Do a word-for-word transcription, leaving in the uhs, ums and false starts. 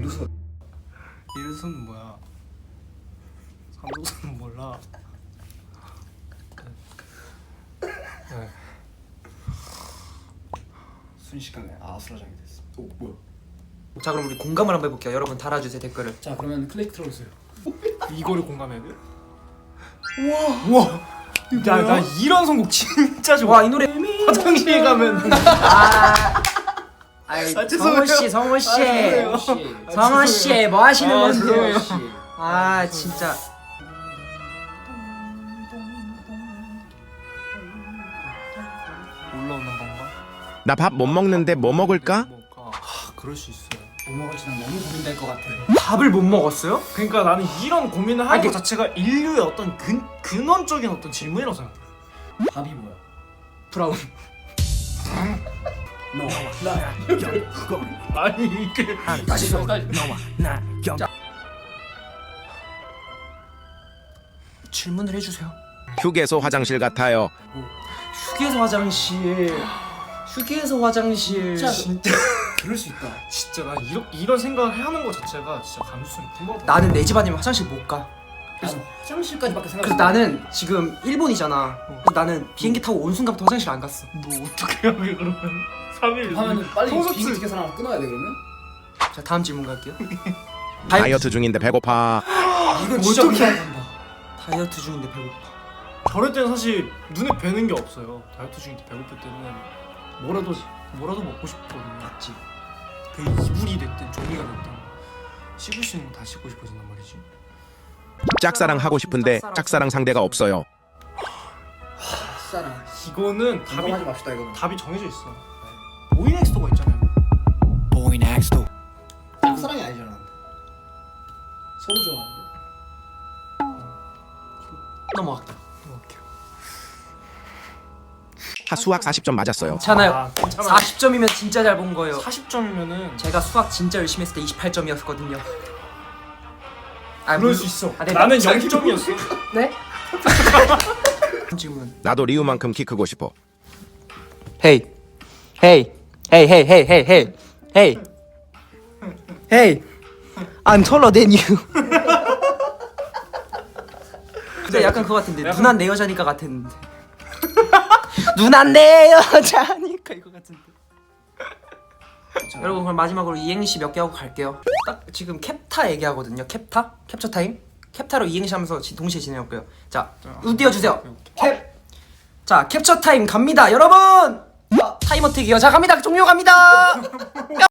이루수. 이루수는 뭐야? 상도수는 몰라. 네. 순식간에 아수라장이 됐어. 오 뭐야? 자 그럼 우리 공감을 한번 해볼게요. 여러분 달아주세요 댓글을. 자 그러면 클릭 틀어주세요. 이거를 공감해야 돼? 우와. 우와. 야, 나 이런 선곡 진짜 좋아. 와 이 노래. 화장실 가면. 아, 아이 아, 성호 씨, 성호 씨, 죄송해요. 성호 씨, 뭐 하시는 아, 건데요? 죄송해요. 아 진짜. 올라오는 건가? 나 밥 못 먹는데 뭐 먹을까? 뭘까? 하, 그럴 수 있어요. 뭐 먹을지 난 너무 고민될 것 같아. 밥을 못 먹었어요? 그러니까 나는 이런 고민을 하는 아니, 것 자체가 인류의 어떤 근 근원적인 어떤 질문이라고 생각해. 밥이 뭐야? 브라운. 너 나야. 아니 이게 다시 써. 다시. 질문을 해주세요. 휴게소 화장실 같아요. 휴게소 화장실. 휴게소 화장실. 진짜. 진짜 그럴 수 있다. 진짜 나 이런 이런 생각을 하는 것 자체가 진짜 감수성이 풍부하다. 나는 내 집 아니면 화장실 못 가. 그래서 화장실까지밖에 생각. 그래서 나는 지금 일본이잖아. 그래서 나는 비행기 타고 온 순간부터 화장실 안 갔어. 너 어떻게 하게 그러면 삼 일 하면은 빨리 콘서트. 비행기 티켓 하나 끊어야 돼 그러면? 자 다음 질문 갈게요. 다이어트 중인데 배고파. 이건 진짜 어떡해. 공감한다. 다이어트 중인데 배고파. 저럴 때는 사실 눈에 뵈는 게 없어요. 다이어트 중일 때 배고플 때는 뭐라도 뭐라도 먹고 싶거든요. 맞지? 그 이불이 됐든 종이가 됐든 씹을 수 있는 거 다 씹고 싶어진단 말이지. 짝사랑 하고 싶은데 짝사랑 상대가 없어요. 싸라. 이거는 답이 공감하지 맙시다 이거는. 답이 정해져 있어. 오이넥스토가 있잖아요. 짝사랑이 아니잖아. 서로 좋아하는데. 넘어갈게요. 넘어갈게요. 하 수학 사십 점 맞았어요. 괜찮아요. 아, 괜찮아. 사십 점이면 진짜 잘 본 거예요. 사십 점이면은 제가 수학 진짜 열심히 했을 때 이십팔 점이었거든요. 아, 그럴 물- 수 있어. 아, 네, 나는 자- 영 점이었어. 네? 질문. 나도 리우만큼 키 크고 싶어. Hey, hey, hey, hey, hey, hey, hey, hey, hey. I'm taller than you. 근데 약간 그거 같은데 약간- 누난 내 여자니까 같았는데. 누난 내 여자니까 이거 같은데. 여러분 그럼 마지막으로 이행시 몇 개 하고 갈게요. 딱 지금 캡타 얘기하거든요. 캡타? 캡처 타임? 캡타로 이행시 하면서 지- 동시에 진행할 거예요. 자, 우 띄워주세요. 캡. 자, 캡처 타임 갑니다, 여러분. 타이머 튀기요. 자, 갑니다. 종료 갑니다.